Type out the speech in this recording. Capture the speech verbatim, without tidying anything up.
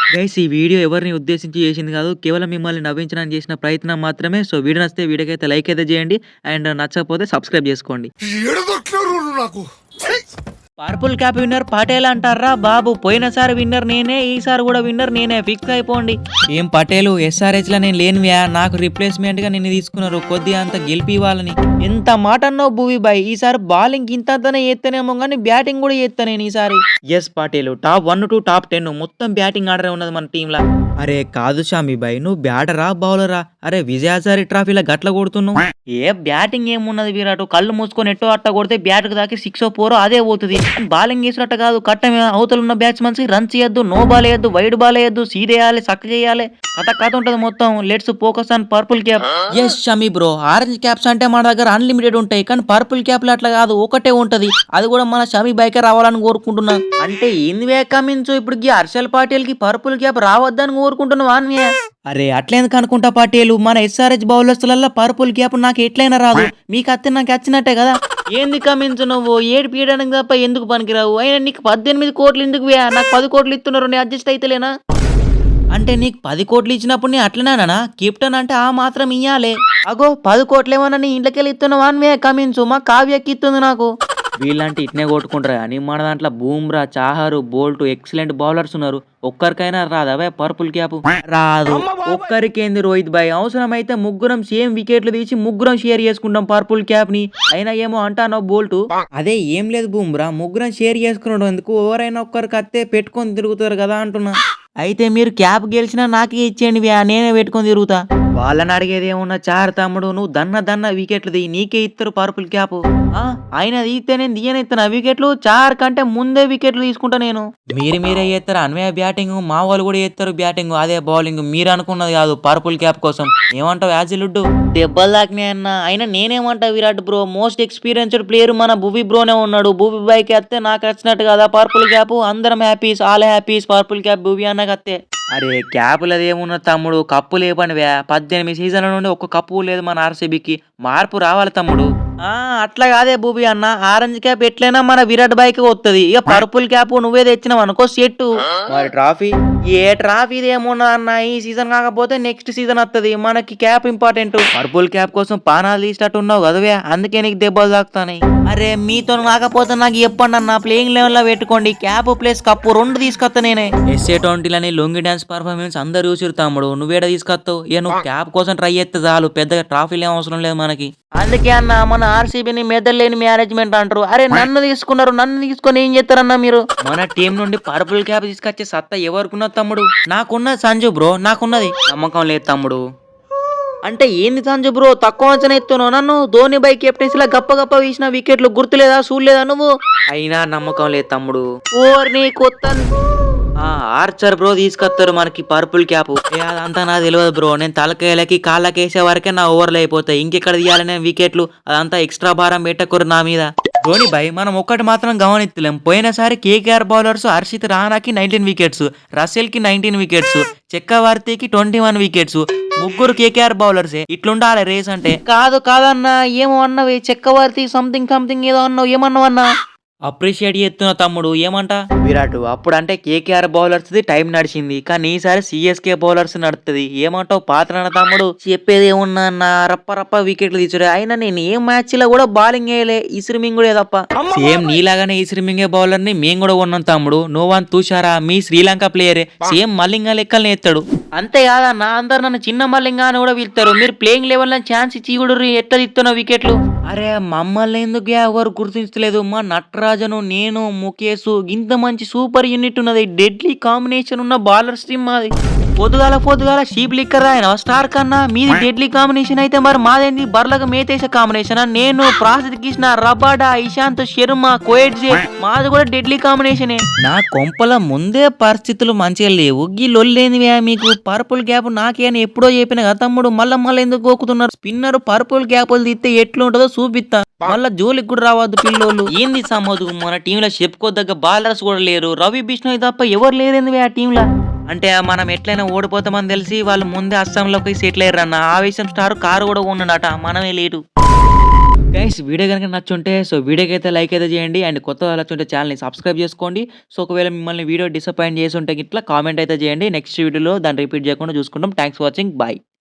Guys ఈ video ఎవరిని ఉద్దేశించి చేసింది కాదు. కేవలం మిమ్మల్ని నవ్వించడానికి చేసిన ప్రయత్నం మాత్రమే. సో వీడియో నచ్చితే వీడియోకైతే లైక్ అయితే చేయండి. అండ్ నచ్చకపోతే సబ్స్క్రైబ్ చేసుకోండి. నాకు పర్పుల్ క్యాప్ విన్నర్ పటేల్ అంటారా బాబు. పోయినసారి విన్నర్ నేనే, ఈసారి కూడా విన్నర్ నేనే. ఫిక్స్ అయిపోండి. ఏం పటేలు ఎస్ఆర్హెచ్ లో నేను లేనివ్యా, నాకు రిప్లేస్మెంట్ గా నిన్ను తీసుకున్నారు కొద్దిగా అంత గెలిపి ఇవ్వాలని. ఎంత మాట అన్నావు భూవి బాయ్. ఈసారి బాలింగ్ ఇంతనే ఎత్తనేమో కానీ బ్యాటింగ్ కూడా ఎత్తా నేను ఈసారి. Yes Patel top one two top ten మొత్తం బ్యాటింగ్ ఆర్డర్ ఉన్నది మన టీమ్ లా. అరే కాదు షామి బాయ్, నువ్వు బ్యాటరా బౌలరా? అరే విజయసారి ట్రాఫీలో గట్ల కొడుతున్నావు. ఏ బ్యాటింగ్ ఏమున్నది విరాట్, కళ్ళు మూసుకొని ఎట్టో అట్ట కొడితే బ్యాట్ దాకి సిక్స్ ఫోర్ అదే పోతుంది. బాలింగ్ వేసినట్ట కాదు, కట్టమే అవతల ఉన్న బ్యాట్స్మెన్స్ రన్స్ చేయొద్దు, నో బాల్ వేయద్దు, వైడ్ బాల్ వేయద్దు, సీదేయాలి, సక్క చేయాలి, కథ కథ ఉంటది మొత్తం. Let's focus on purple cap. Yes Shami bro, orange caps అంటే మన దగ్గర అన్లిమిటెడ్ ఉంటాయి, కానీ పర్పుల్ క్యాప్ అట్లా కాదు, ఒకటే ఉంటది. అది కూడా మన షమి బైకే రావాలని కోరుకుంటున్నా. అంటే ఏంది కమించు ఇప్పుడు హర్షల్ పాటిల్ కి పర్పుల్ క్యాప్ రావద్దని కోరుకుంటున్నావా? అరే అట్లేందుకు అనుకుంటా పాటేలు, మన ఎస్ఆర్హెచ్ బౌలర్స్లలో పర్పుల్ క్యాప్ నాకు ఎట్లయినా రాదు, మీకు అత్తే నాకు వచ్చినట్టే కదా. ఏంది కమించు నువ్వు ఏడు పీయడానికి తప్ప ఎందుకు పనికిరావు? అయినా నీకు పద్దెనిమిది కోట్లు ఎందుకు? నాకు పది కోట్లు ఇస్తున్నారు, నేను అడ్జస్ట్ అయితేలేనా? అంటే నీకు పది కోట్లు ఇచ్చినప్పుడు నీ అట్లనేనా? కెప్టెన్ అంటే ఆ మాత్రం ఇయ్యాలే. అగో పది కోట్లు ఏమన్నా నీ ఇంట్లోకెళ్ళి ఇస్తున్నావా అని కమించు, మా కావ్యకి ఇస్తుంది నాకు. వీళ్ళంటే ఇట్నే కొట్టుకుంటారు కానీ మన దాంట్లో Bumrah, Chahar, Boult excellent bowlers ఉన్నారు. ఒక్కరికైనా రాదవే పర్పుల్ క్యాప్? రాదు. ఒక్కరికేంది రోహిత్ భాయ్, అవసరమైతే ముగ్గురం సేమ్ వికెట్లు తీసి ముగ్గురం షేర్ చేసుకుంటాం పర్పుల్ క్యాప్ ని. అయినా ఏమో అంటానో బోల్ట్. అదే ఏం లేదు బూమ్రా, ముగ్గురం షేర్ చేసుకున్నాడు ఎందుకు, ఎవరైనా ఒక్కరికి అత్తే పెట్టుకొని తిరుగుతారు కదా అంటున్నా. అయితే మీరు క్యాప్ గెలిచినా నాకే ఇచ్చేయండి, నేనే పెట్టుకొని తిరుగుతా. వాళ్ళని అడిగేది ఏమున్నా, చార్ తమ్ముడు నువ్వు దన్న దన్న వికెట్లు ది, నీకే ఇస్తారు పర్పుల్ క్యాప్. ఆయన తీస్తే నేను తీయనిస్తాను వికెట్లు, చార్ కంటే ముందే వికెట్లు తీసుకుంటా నేను. మీరు మీరే చేస్తారు అన్వయ బ్యాటింగ్, మా వాళ్ళు కూడా చేస్తారు బ్యాటింగ్, అదే బౌలింగ్. మీరు అనుకున్నది కాదు పర్పుల్ క్యాప్ కోసం. ఏమంటావు యాజిలుడ్డు? దెబ్బలు దాకినాయి అన్న. అయినా నేనేమంటా Virat bro, most experienced player మన భూవి బ్రోనే ఉన్నాడు. భూవి బైక్ వస్తే నాకు వచ్చినట్టు కదా పర్పుల్ క్యాప్. అందరం happies, all happies, purple cap Bhuvi అన్న కత్తే. అరే క్యాపులది ఏమున్న తమ్ముడు, కప్పు లేపనివే. పద్దెనిమిది సీజన్ల నుండి ఒక్క కప్పు లేదు మన ఆర్సీబీకి. మార్పు రావాలి తమ్ముడు. ఆ అట్లా కాదే భూబి అన్న, ఆరెంజ్ క్యాప్ ఎట్లయినా మన విరాట్ బైక్ వస్తుంది. ఇక పర్పుల్ క్యాప్ నువ్వే తెచ్చినావు అనుకో సెట్టు. మరి ట్రాఫీ ఏ ట్రాఫీ ఏమున్నా అన్న, ఈ సీజన్ కాకపోతే నెక్స్ట్ సీజన్ వస్తుంది. మనకి క్యాప్ ఇంపార్టెంట్. పర్పుల్ క్యాప్ కోసం పానాలు తీసినట్టు ఉన్నావు కదవే, అందుకే నీకు దెబ్బలు తాకుతాయి. అరే మీతో కాకపోతే నాకు చెప్పండి అన్న, ప్లేయింగ్ లెవెల్ లో పెట్టుకోండి. క్యాప్ ప్లేస్ కప్పు రెండు తీసుకొస్తా నేనే. ఎస్ఏ ట్వంటీలని లొంగి డాన్స్ పర్ఫార్మెన్స్ అందరు చూసిరు తమ్ముడు, నువ్వేడ తీసుకొస్తావు? ఇక నువ్వు క్యాప్ కోసం ట్రై చేస్తే చాలు, పెద్దగా ట్రాఫీలు ఏం అవసరం లేదు మనకి. అందుకే అన్న మన ఆర్సీబీని మెదలేని మేనేజ్మెంట్ అంటారు. అరే నన్ను తీసుకున్నారు, నన్ను తీసుకొని ఏం చేస్తారన్నా మీరు? మన టీం నుండి పర్పుల్ క్యాప్ తీసుకొచ్చే సత్తా ఎవరుకున్నది తమ్ముడు? నాకున్నది సంజు బ్రో, నాకున్నది. నమ్మకం లేదు తమ్ముడు. అంటే ఏంది సంజు బ్రో తక్కువ అంచనా ఎత్తున్నావు నన్ను? ధోని బై కెప్టెన్సీలా గప్ప గప్ప వీసిన వికెట్లు గుర్తులేదా, చూడలేదా నువ్వు? అయినా నమ్మకం లేదు తమ్ముడు. ఓర్ని కొత్త ఆర్చర్ బ్రో తీసుకొస్తారు మనకి పర్పుల్ క్యాప్. అదంతా నాకు తెలియదు బ్రో, నేను తలకాయలకి కాళ్ళకి వేసే వరకే నా ఓవర్లు అయిపోతాయి. ఇంకెక్కడ తీయాలనే వికెట్లు, అదంతా ఎక్స్ట్రా భారం పెట్టకూడదు నా మీద. ధోని బై మనం ఒక్కటి మాత్రం గమనించలేం, పోయినసారి కేకేఆర్ బౌలర్స్ హర్షిత్ రానాకి నైన్టీన్ వికెట్స్, రసెల్ కి నైన్టీన్ వికెట్స్, చక్రవర్తికి ట్వంటీ వన్ వికెట్స్. ముగ్గురు కేకేఆర్ బౌలర్సే. ఇట్లుండాలి రేస్ అంటే. కాదు కాదన్నా, ఏమో అన్నవి చక్రవర్తి సంథింగ్ సంథింగ్ ఏదో అన్నావు, ఏమన్నావు అన్నా? అప్రిషియేట్ చేస్తున్నా తమ్ముడు. ఏమంట విరాట్, అప్పుడు అంటే కేకేఆర్ బౌలర్స్ ది టైం నడిచింది, కానీ ఈసారి సిఎస్కే బౌలర్స్ నడుతుంది. ఏమంటావు పాత్రన తమ్ముడు? చెప్పేది ఏమున్నా అన్న, రప్ప రప్ప వికెట్లు తీసుడే. అయినా నేను ఏ మ్యాచ్ లో కూడా బౌలింగ్ వేయలే, ఇస్రిమింగ్ కూడా తప్ప. సేమ్ నీలాగానే ఇస్రిమింగే బౌలర్ ని మేము కూడా ఉన్నాం తమ్ముడు. నోవాన్ తుషారా మీ శ్రీలంక ప్లేయరే, సేమ్ మల్లింగా లెక్కల్ని ఎత్తాడు. అంతేకాదన్న, అందరు నన్ను చిన్న మల్లింగా అని కూడా పిలుస్తారు. మీరు ప్లేయింగ్ లెవెల్ లో ఛాన్స్ ఇచ్చి కూడా ఎట్లా ఇస్తున్న వికెట్లు? అరే మమ్మల్ని ఎందుకు ఎవరు గుర్తించలేదు? మా నటరాజను, నేను, ముఖేష్ ఇంత మంచి సూపర్ యూనిట్ ఉన్నది. డెడ్లీ కాంబినేషన్ ఉన్న బౌలర్స్ టీమ్ మాది. పొద్దుగాల పొద్దుగాల షీప్ లిక్కర్ ఆయన స్టార్ కన్నా మీది డెడ్లీ కాంబినేషన్ అయితే మరి మాదేంది బర్లగా మేతేస కాంబినేషన్. నేను ప్రాసిద్ కృష్ణ, రబాడా, ఇషాంత్ శర్మ, కోయడ్జే మాది కూడా డెడ్లీ కాంబినేషనే. నా కొంపల ముందే పరిస్థితులు మంచిగా లేవు, గీ లొల్లేందివే మీకు? పర్పుల్ గ్యాప్ నాకే అని ఎప్పుడో చెప్పిన కదా తమ్ముడు, మళ్ళా మళ్ళీ ఎందుకు గోకుతున్నారు? స్పిన్నర్ పర్పుల్ గ్యాప్లు తీస్తే ఎట్లుంటుందో చూపిస్తా, మళ్ళా జోలికి కూడా రావద్దు పిల్లోళ్ళు. ఏంది సమ్మోదు, మన టీంలో చెప్పుకోదగ్గ బౌలర్స్ కూడా లేరు. రవి బిష్ణోయ్ తప్ప ఎవరు లేరేంది ఆ టీంలో. అంటే మనం ఎట్లయినా ఓడిపోతామని తెలిసి వాళ్ళు ముందే అస్సాంలోకి సెటిల్ అయ్యారన్న ఆవేశం స్టార్ కారు కూడా ఉన్నాడట, మనమే లేటు. గైస్ వీడియో గనుక నచ్చుంటే సో వీడియోకి అయితే లైక్ అయితే చేయండి. అండ్ కొత్త వాళ్ళు వచ్చుంటే ఛానల్‌ని సబ్స్క్రైబ్ చేసుకోండి. సో ఒకవేళ మిమ్మల్ని వీడియో డిసప్పాయింట్ చేసుంటే గిట్ల కామెంట్ అయితే చేయండి. నెక్స్ట్ వీడియోలో దాన్ని రిపీట్ చేయకుండా చూసుకుందాం. Thanks for watching. బై.